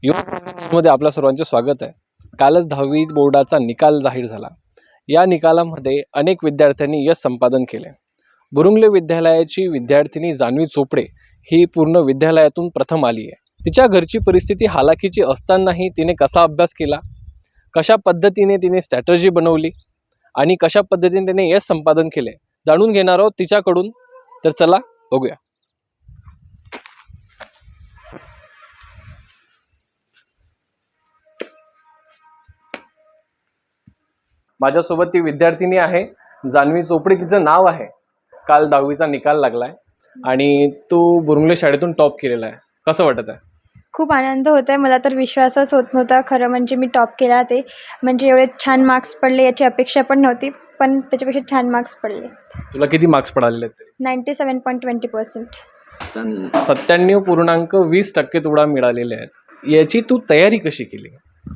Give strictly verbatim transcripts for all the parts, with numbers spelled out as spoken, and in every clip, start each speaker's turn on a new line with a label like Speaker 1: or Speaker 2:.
Speaker 1: मध्ये आपल्या सर्वांचे स्वागत आहे. कालच दहावी बोर्डाचा निकाल जाहीर झाला. या निकालामध्ये अनेक विद्यार्थ्यांनी यश संपादन केले. बुरुंगले विद्यालयाची विद्यार्थिनी जान्हवी चोपडे ही पूर्ण विद्यालयातून प्रथम आली आहे. तिच्या घरची परिस्थिती हालाकीची असतानाही तिने कसा अभ्यास केला, कशा पद्धतीने तिने स्ट्रॅटर्जी बनवली आणि कशा पद्धतीने तिने यश संपादन केले जाणून घेणार आहोत तिच्याकडून. तर चला बघूया. माझ्यासोबत ती विद्यार्थिनी आहे जान्हवी चोपडे, तिचं नाव आहे. काल दहावीचा निकाल लागलाय आणि तू बुरुंगले शाळेतून टॉप केलेला आहे. कसं वाटत आहे?
Speaker 2: खूप आनंद होत आहे. मला तर विश्वासच होत नव्हता. खरं म्हणजे मी टॉप केला, ते म्हणजे एवढे छान मार्क्स पडले याची अपेक्षा पण नव्हती, पण त्याच्यापेक्षा छान मार्क्स पडले.
Speaker 1: तुला किती मार्क्स पडालेले आहेत?
Speaker 2: Ninety seven point twenty percent
Speaker 1: सत्त्याण्णव पूर्णांक वीस टक्के तुला मिळालेले आहेत. याची तू तयारी कशी केली?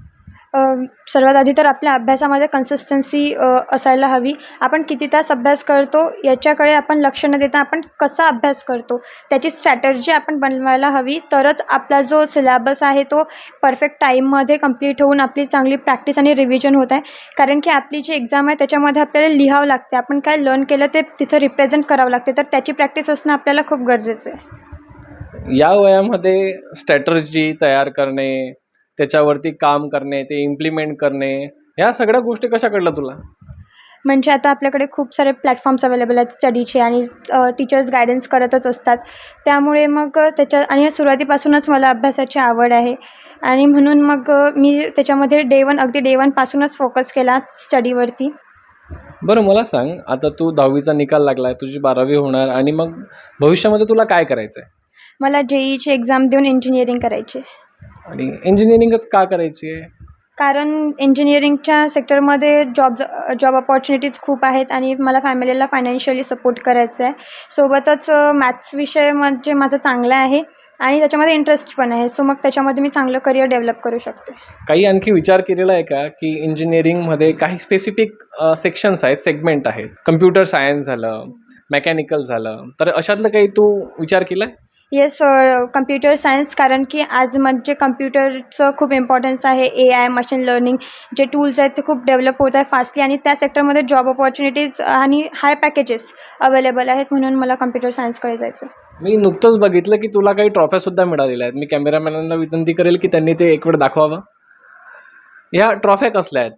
Speaker 2: सर्वात आधी तर आपल्या अभ्यासामध्ये कन्सिस्टन्सी असायला हवी. आपण किती तास अभ्यास करतो याच्याकडे आपण लक्ष न देता आपण कसा अभ्यास करतो त्याची स्ट्रॅटर्जी आपण बनवायला हवी. तरच आपला जो सिलेबस आहे तो परफेक्ट टाईममध्ये कंप्लीट होऊन आपली चांगली प्रॅक्टिस आणि रिव्हिजन होत आहे. कारण की आपली जी एक्झाम आहे त्याच्यामध्ये आपल्याला लिहावं लागते, आपण काय लर्न केलं ते तिथं रिप्रेझेंट करावं लागते, तर त्याची प्रॅक्टिस असणं आपल्याला खूप गरजेचं आहे.
Speaker 1: या वयामध्ये स्ट्रॅटर्जी तयार करणे, त्याच्यावरती काम करणे, ते इम्प्लिमेंट करणे, ह्या सगळ्या गोष्टी कशा कळल्या तुला?
Speaker 2: म्हणजे आता आपल्याकडे खूप सारे प्लॅटफॉर्म्स अवेलेबल आहेत स्टडीचे आणि टीचर्स गायडन्स करतच असतात. त्यामुळे मग त्याच्या आणि सुरुवातीपासूनच मला अभ्यासाची आवड आहे आणि म्हणून मग मी त्याच्यामध्ये डे वन अगदी डे वनपासूनच फोकस केला स्टडीवरती.
Speaker 1: बरं मला सांग, आता तू दहावीचा निकाल लागला आहे, तुझी बारावी होणार आणि मग भविष्यामध्ये तुला काय करायचं आहे?
Speaker 2: मला जेईची एक्झाम देऊन इंजिनिअरिंग करायची.
Speaker 1: आणि इंजिनिअरिंगच का करायची आहे?
Speaker 2: कारण इंजिनिअरिंगच्या सेक्टरमध्ये जॉब जॉब अपॉर्च्युनिटीज खूप आहेत आणि मला फॅमिलीला फायनान्शियली सपोर्ट करायचं आहे. सोबतच मॅथ्स विषय म्हणजे माझा चांगला आहे आणि त्याच्यामध्ये इंटरेस्ट पण आहे. सो मग त्याच्यामध्ये मी चांगलं करिअर डेव्हलप करू शकते.
Speaker 1: काही आणखी विचार केलेला आहे का की इंजिनिअरिंगमध्ये काही स्पेसिफिक सेक्शन्स आहेत, सेगमेंट आहेत, कम्प्युटर सायन्स झालं, मेकॅनिकल झालं, तर अशातलं काही तू विचार केला आहे?
Speaker 2: येस, कम्प्युटर सायन्स, कारण की आज म्हणजे कम्प्युटरचं खूप इम्पॉर्टन्स आहे. ए आय, मशीन लर्निंग जे टूल्स आहेत ते खूप डेव्हलप होत आहे फास्टली आणि त्या सेक्टरमध्ये जॉब अपॉर्च्युनिटीज आणि हाय पॅकेजेस अवेलेबल आहेत. म्हणून मला कम्प्युटर सायन्सकडे जायचं आहे.
Speaker 1: मी नुकतंच बघितलं की तुला काही ट्रॉफ्यासुद्धा मिळालेल्या आहेत. मी कॅमेरामॅनांना विनंती करेल की त्यांनी ते एक वेळ दाखवावं. ह्या ट्रॉफ्या कसल्या आहेत?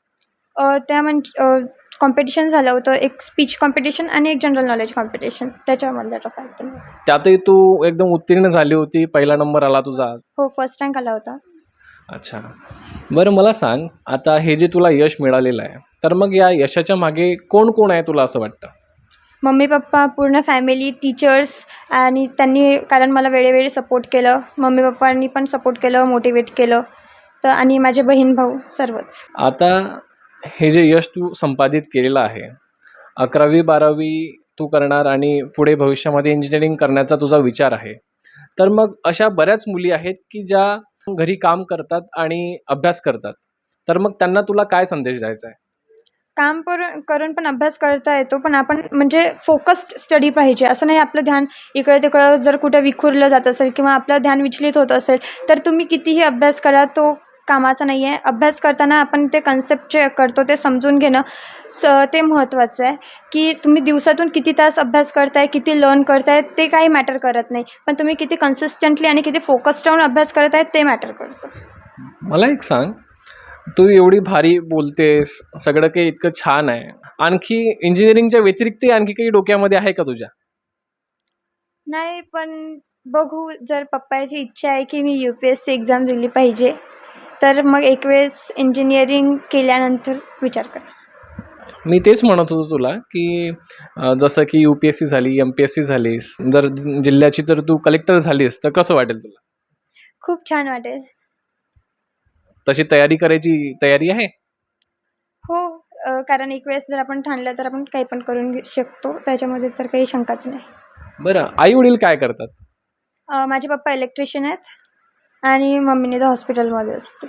Speaker 2: त्या म्हणजे कॉम्पिटिशन झालं होतं, एक स्पीच कॉम्पिटिशन आणि एक जनरल नॉलेज कॉम्पिटिशन, त्याच्यामधल्या ट्रॉफी.
Speaker 1: त्यातही तू एकदम उत्तीर्ण झाली होती, पहिला नंबर आला तुझा.
Speaker 2: हो, फर्स्ट रँक आला होता.
Speaker 1: अच्छा, बरं मला सांग, आता हे जे तुला यश मिळालेलं आहे, तर मग या यशाच्या मागे कोण कोण आहे तुला असं वाटतं?
Speaker 2: मम्मी पप्पा, पूर्ण फॅमिली, टीचर्स आणि त्यांनी कारण मला वेळोवेळी सपोर्ट केलं. मम्मी पप्पांनी पण सपोर्ट केलं, मोटिवेट केलं, तर आणि माझे बहीण भाऊ सर्वच.
Speaker 1: आता हे जे यश तू संपादित केलेलं आहे, अकरावी बारावी तू करणार आणि पुढे भविष्यामध्ये इंजिनिअरिंग करण्याचा तुझा विचार आहे, तर मग अशा बऱ्याच मुली आहेत की ज्या घरी काम करतात आणि अभ्यास करतात, तर मग त्यांना तुला काय संदेश द्यायचा आहे?
Speaker 2: काम पर करून पण अभ्यास करता येतो, पण आपण म्हणजे फोकस्ड स्टडी पाहिजे. असं नाही आपलं ध्यान इकडं तिकडं जर कुठं विखुरलं जात असेल किंवा आपलं ध्यान विचलित होत असेल तर तुम्ही कितीही अभ्यास करा, तो कामाचा नाही आहे. अभ्यास करताना आपण ते कन्सेप्ट जे करतो ते समजून घेणं स ते महत्त्वाचं आहे. की तुम्ही दिवसातून किती तास अभ्यास करताय, किती लर्न करताय ते काही मॅटर करत नाही, पण तुम्ही किती कन्सिस्टंटली आणि किती फोकस्ड राहून अभ्यास करत आहे ते मॅटर करतं.
Speaker 1: मला एक सांग, तू एवढी भारी बोलतेस, सगळं काही इतकं छान आहे, आणखी इंजिनिअरिंगच्या व्यतिरिक्त आणखी काही डोक्यामध्ये आहे का तुझ्या?
Speaker 2: नाही, पण बघू, जर पप्पाची इच्छा आहे की मी U P S C exam दिली पाहिजे, तर मग एक वेळेस इंजिनिअरिंग केल्यानंतर विचार करा.
Speaker 1: मी तेच म्हणत होतो तुला की जसं की यू पी एस सी झाली, एम पी एस सी झालीस, जर जिल्ह्याची तर तू कलेक्टर झालीस तर कसं वाटेल तुला?
Speaker 2: खूप छान वाटेल.
Speaker 1: तशी तयारी करायची तयारी आहे?
Speaker 2: हो, कारण एक वेळेस जर आपण ठाणलं तर आपण काही पण करून घेऊ शकतो, त्याच्यामध्ये तर काही शंकाच नाही.
Speaker 1: बरं, आई वडील काय करतात?
Speaker 2: माझे पप्पा इलेक्ट्रिशियन आहेत आणि मम्मीने तर हॉस्पिटलमध्ये असते.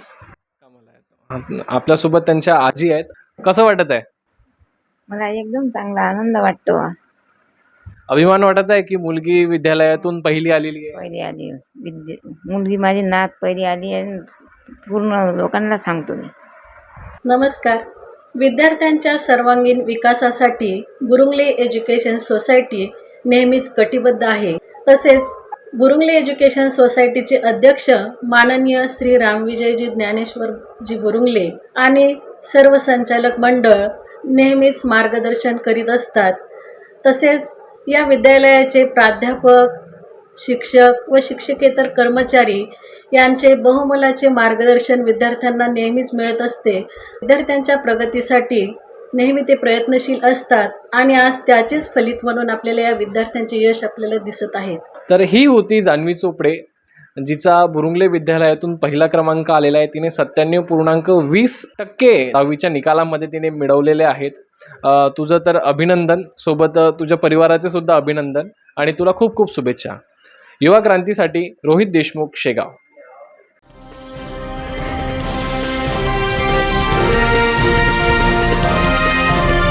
Speaker 1: आपल्यासोबत त्यांच्या आजी आहेत. कसं वाटत आहे?
Speaker 3: मला एकदम चांगला आनंद वाटतो.
Speaker 1: अभिमान वाटत आहे की मुलगी विद्यालयातून पहिली आलेली आहे?
Speaker 3: पहिली आली विद्या मुलगी माझी नात पहिली आली आणि पूर्ण लोकांना सांगतो मी.
Speaker 4: नमस्कार. विद्यार्थ्यांच्या सर्वांगीण विकासासाठी बुरुंगले एज्युकेशन सोसायटी नेहमीच कटिबद्ध आहे. तसेच बुरुंगले एज्युकेशन सोसायटीचे अध्यक्ष माननीय श्री रामविजयजी ज्ञानेश्वरजी बुरुंगले आणि सर्व संचालक मंडळ नेहमीच मार्गदर्शन करीत असतात. तसेच या विद्यालयाचे प्राध्यापक, शिक्षक व शिक्षकेतर कर्मचारी यांचे बहुमोलाचे मार्गदर्शन विद्यार्थ्यांना नेहमीच मिळत असते. विद्यार्थ्यांच्या प्रगतीसाठी नेहमी ते प्रयत्नशील असतात आणि आज त्याचेच फलित म्हणून आपल्याला या विद्यार्थ्यांचे यश आपल्याला दिसत आहे.
Speaker 1: तर ही होती जान्हवी चोपडे, जिचा बुरुंगले विद्यालयातून पहिला क्रमांक आलेला आहे. तिने सत्त्याण्णव पूर्णांक वीस टक्के दहावीच्या निकालामध्ये तिने मिळवलेले आहेत. अ, तुझं तर अभिनंदन, सोबत तुझ्या परिवाराचे सुद्धा अभिनंदन आणि तुला खूप खूप शुभेच्छा. युवा क्रांतीसाठी रोहित देशमुख, शेगाव.